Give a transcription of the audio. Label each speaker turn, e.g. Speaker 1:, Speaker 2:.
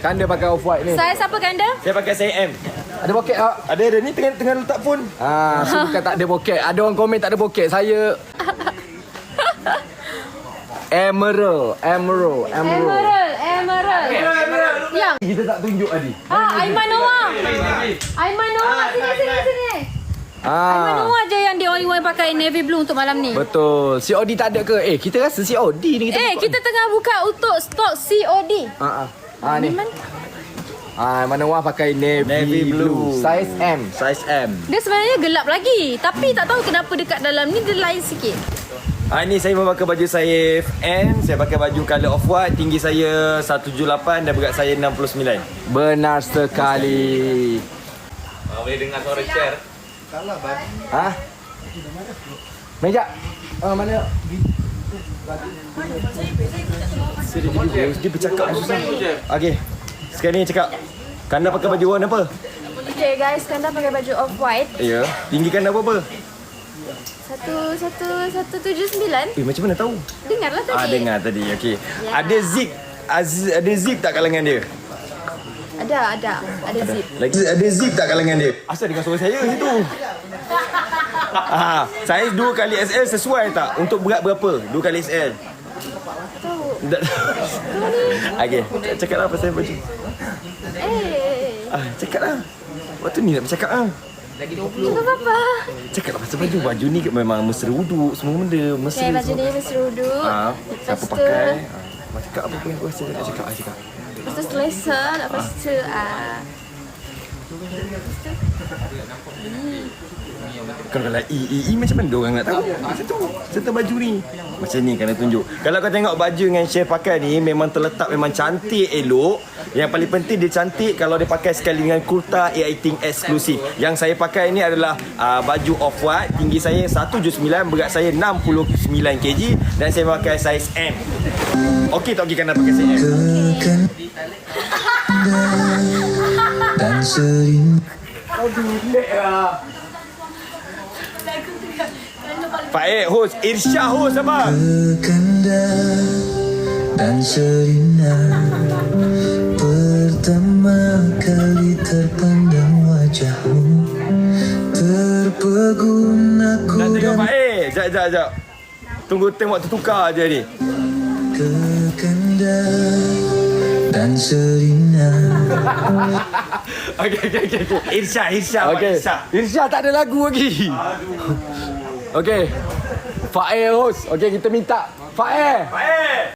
Speaker 1: Kanda pakai off-white ni.
Speaker 2: Saya siapa Kanda?
Speaker 3: Saya pakai saya M.
Speaker 1: Ada poket tak?
Speaker 3: Ada ni tengah letak phone.
Speaker 1: So bukan tak ada poket. Ada orang komen tak ada poket. Saya Emerald. Yang kita tak tunjuk tadi.
Speaker 2: Aiman Noah. Sini. Aiman Noah je yang the only one pakai navy blue untuk malam ni.
Speaker 1: Betul. COD tak ada ke? Kita rasa COD ni
Speaker 2: Kita tengah buka untuk stok COD.
Speaker 1: Ni. Mana Wah pakai navy blue. Size M.
Speaker 3: Size M.
Speaker 2: Dia sebenarnya gelap lagi, tapi tak tahu kenapa dekat dalam ni dia lain sikit.
Speaker 3: Ni saya memakai baju saya N. Saya pakai baju colour off-white. Tinggi saya 178 dan berat saya 69.
Speaker 1: Benar sekali.
Speaker 3: Boleh dengar suara chair.
Speaker 1: Meja. Mana?
Speaker 3: Dia bercakap susah. Okey. Sekarang ni cakap. Kanda pakai baju warna apa?
Speaker 2: Okay guys, Kanda pakai baju off-white.
Speaker 3: Ya. Tinggi Kanda berapa?
Speaker 2: 179.
Speaker 3: Macam mana tahu?
Speaker 2: Dengarlah tadi.
Speaker 3: Dengar tadi. Okey.
Speaker 2: Ya.
Speaker 3: Ada zip. Ada zip tak kalangan dia?
Speaker 2: Ada zip.
Speaker 3: Lagi ada zip tak kalangan dia? Asal dengan suara saya situ. Saiz 2 kali SL sesuai tak? Untuk berat berapa? 2 kali SL.
Speaker 2: Tahu.
Speaker 3: Okey, cakaplah pasal baju. Cakaplah. Waktu ni nak bercakap
Speaker 2: Cakap apa?
Speaker 3: Cakaplah pasal baju. Baju ni memang mesra wuduk, semua benda mesra.
Speaker 2: Okay, baju ni mesra wuduk.
Speaker 3: Siapa pakai? Cakap apa yang aku rasa nak cakap.
Speaker 2: Lepas tu selesa. Lepas tu
Speaker 3: Kalau macam mana orang nak tahu? Serta baju ni macam ni kena tunjuk. Kalau kau tengok baju yang Chef pakai ni memang terletak, memang cantik, elok. Yang paling penting dia cantik kalau dia pakai sekali dengan kurta A18 eksklusif. Yang saya pakai ni adalah baju off-white. Tinggi saya 179, berat saya 69 kg dan saya pakai saiz M. Okey tak okey Kanda pakai saiz M?
Speaker 4: Dan sering
Speaker 3: Faik host, Irsyah host apa?
Speaker 4: berkanda dan serina pertama kali terpandang wajahmu terpegun aku
Speaker 3: Nak tengok
Speaker 4: dan
Speaker 3: Faik? Sekejap. Tunggu tengok tertukar je ni.
Speaker 4: berkanda dan serina.
Speaker 3: Okey. Irsyah.
Speaker 1: Okey. Irsyah tak ada lagu lagi. Okey. Faik host. Okey, kita minta Faik.